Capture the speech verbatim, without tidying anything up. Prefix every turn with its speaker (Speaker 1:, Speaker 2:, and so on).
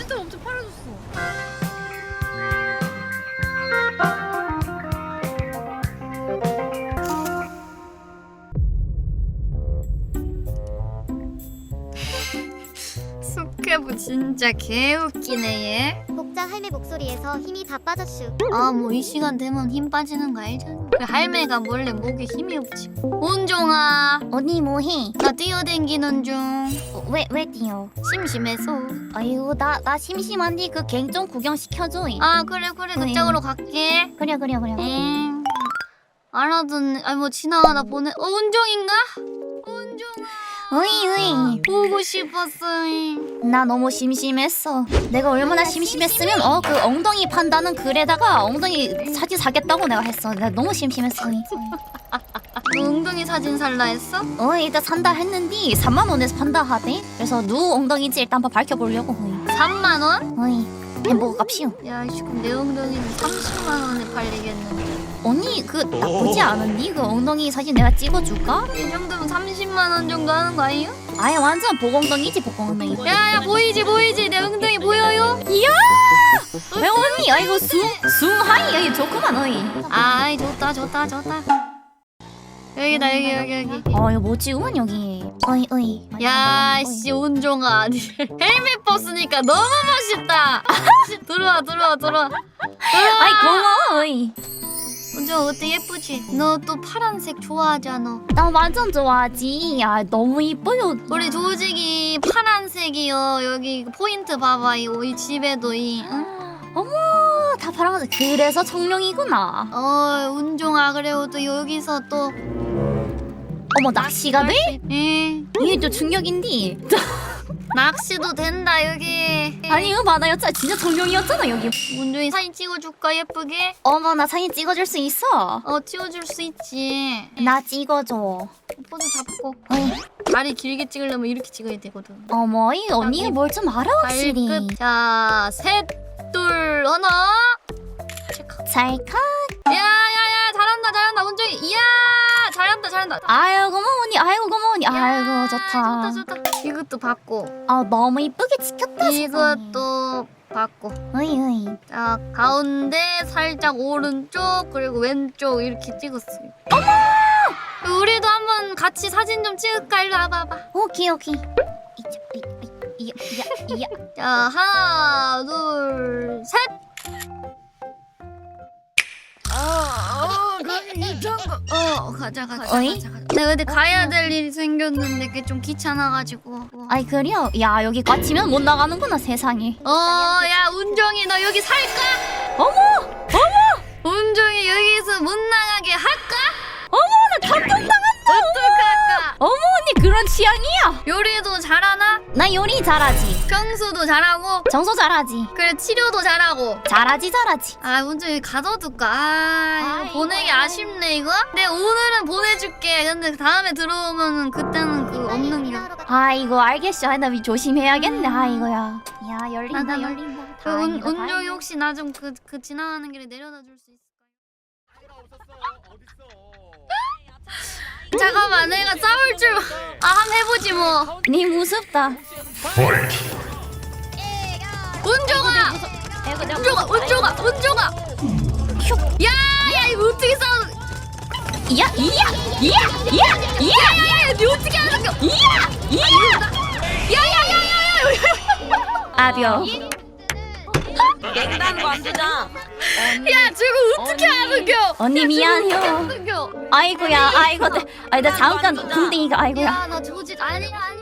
Speaker 1: 진짜 엄청 팔아줬어. 숙회부 진짜 개웃기네 얘.
Speaker 2: 복자 할매 목소리에서 힘이 다 빠졌슈.
Speaker 1: 아 뭐 이 시간 되면 힘 빠지는 거 알잖아. 그 할매가 몰래 목에 힘이 없지. 온종아
Speaker 2: 언니 뭐해?
Speaker 1: 나 뛰어댕기는 중.
Speaker 2: 어, 왜, 왜 뛰어?
Speaker 1: 심심해서.
Speaker 2: 아이고 나, 나 심심한데 그 갱 좀 구경시켜줘.
Speaker 1: 아 그래 그래 그쪽으로 갈게.
Speaker 2: 그래 그래 그래.
Speaker 1: 엥. 알아듣네. 아니 뭐 지나가다 보네. 어 온종인가? 온종아.
Speaker 2: 으이 으이.
Speaker 1: 보고 싶었어.
Speaker 2: 나 너무 심심했어. 내가 얼마나 심심했으면 어 그 엉덩이 판다는 글에다가 엉덩이 사진 사겠다고 내가 했어. 내가 너무 심심했어.
Speaker 1: 너 엉덩이 사진 살라 했어?
Speaker 2: 어 일단 산다 했는데 삼만 원에서 판다 하대. 그래서 누구 엉덩이인지 일단 한번 밝혀보려고.
Speaker 1: 삼만 원?
Speaker 2: 어이 햄버거 값이요.
Speaker 1: 야 이씨 그럼 내 엉덩이는 삼십만 원에 팔리겠는데.
Speaker 2: 언니 그 나쁘지 않은니? 그 엉덩이 사진 내가 찍어줄까?
Speaker 1: 이 정도면 삼십만 원 정도 하는 거 아니에요?
Speaker 2: 아예 완전 복엉덩이지 복엉덩이.
Speaker 1: 야야 보이지 보이지 내 엉덩이 보여요?
Speaker 2: 이야! 왜 언니 아이고 숭 숭하이 여기 좋구만 어이.
Speaker 1: 아이 좋다 좋다 좋다. 여기다 여기 여기 여기.
Speaker 2: 어 이거 멋지구만 여기. 어이 어이.
Speaker 1: 야씨 온종아 헬멧 벗으니까 너무 멋있다. 들어와 들어와 들어와.
Speaker 2: 아이 고마워 어이.
Speaker 1: 온종 어때 예쁘지? 너 또 파란색 좋아하잖아.
Speaker 2: 나 완전 좋아하지. 야 너무 이뻐요.
Speaker 1: 우리 조직이 파란색이요. 여기 포인트 봐봐 이거 이 집에도 이. 응?
Speaker 2: 어머 다 파란색. 그래서 청룡이구나.
Speaker 1: 어 운종아 그래요 또 여기서 또.
Speaker 2: 어머 낚시가 돼?
Speaker 1: 예.
Speaker 2: 이게 또 충격인데.
Speaker 1: 낚시도 된다 여기.
Speaker 2: 아니 이거 봐 나 여자 진짜 청룡이었잖아 여기.
Speaker 1: 운종이 사진 찍어줄까 예쁘게?
Speaker 2: 어머 나 사진 찍어줄 수 있어.
Speaker 1: 어 찍어줄 수 있지.
Speaker 2: 나 찍어줘.
Speaker 1: 포즈 잡고.
Speaker 2: 어이.
Speaker 1: 다리 길게 찍으려면 이렇게 찍어야 되거든.
Speaker 2: 어머 이 언니가 뭘 좀 알아 확실히.
Speaker 1: 발끝. 자, 셋, 둘, 하나. 체크.
Speaker 2: 찰칵.
Speaker 1: 야야야 잘한다 잘한다 운종이. 이야 잘한다 잘한다.
Speaker 2: 아유 고마워 언니. 아이고 고마워 언니.
Speaker 1: 야,
Speaker 2: 아이고 좋다.
Speaker 1: 좋다 좋다. 이것도 받고.
Speaker 2: 아 너무 이쁘게 찍혔다. 세상에.
Speaker 1: 이것도 받고.
Speaker 2: 어이 어이.
Speaker 1: 자 가운데 살짝 오른쪽 그리고 왼쪽 이렇게 찍었어요.
Speaker 2: 어머.
Speaker 1: 우리도 한번 같이 사진 좀 찍을까? 일로 와봐봐.
Speaker 2: 오케이 오케이. 이자 이 이야 이야 이야.
Speaker 1: 자 하나 둘 셋. 어 가자 가자
Speaker 2: 어이?
Speaker 1: 가자 가자. 내가 근데 가야 될 일이 생겼는데 그게 좀 귀찮아가지고.
Speaker 2: 아이 그래요? 야 여기 꽉치면 못 나가는구나 세상에.
Speaker 1: 어야 운종이 너 여기 살까?
Speaker 2: 어머 어머
Speaker 1: 운종이 여기서 못 나가게 할까?
Speaker 2: 어머 나 감동당한다.
Speaker 1: 어떡할까?
Speaker 2: 어머 언니 그런 취향이야?
Speaker 1: 요리도 잘하나?
Speaker 2: 나 요리 잘하지.
Speaker 1: 평수도 잘하고
Speaker 2: 청소 잘하지.
Speaker 1: 그래 치료도 잘하고.
Speaker 2: 잘하지 잘하지.
Speaker 1: 아 운종이 가둬둘까? 아 이거
Speaker 2: 아이고.
Speaker 1: 보내기 아쉽네 이거. 근데 오늘은 보내줄게. 근데 다음에 들어오면은 그때는 그 없는 게.
Speaker 2: 아이고 알겠어. 아, 나 조심해야겠네. 아이고야. 야 열린다
Speaker 1: 나, 나, 나.
Speaker 2: 열린다.
Speaker 1: 그 운,
Speaker 2: 다행이다,
Speaker 1: 운종이
Speaker 2: 다행이다.
Speaker 1: 혹시 나 좀 그 그 지나가는 길에 내려다 줄 수 있을까요? 잠깐만 내가 싸울 줄. 아 한번 해보지 뭐.
Speaker 2: 니 무섭다.
Speaker 1: 운종아. 운종아 운종아 운종아. 야야 이거 어떻게 싸우?
Speaker 2: 이야 이야 이야 이야 이야
Speaker 1: 야야야 니 어떻게 하는 거?
Speaker 2: 이야 이야.
Speaker 1: 야야야야야.
Speaker 2: 아벼.
Speaker 3: 갱단 관두장.
Speaker 1: 야 저거 어떻게 하는겨?
Speaker 2: 언니 미안해요.
Speaker 1: 하는겨?
Speaker 2: 아이고야 아이고. 나- 아니 나 잠깐 궁뎅이가 아이고야.
Speaker 1: 야나 조직 아니 아니.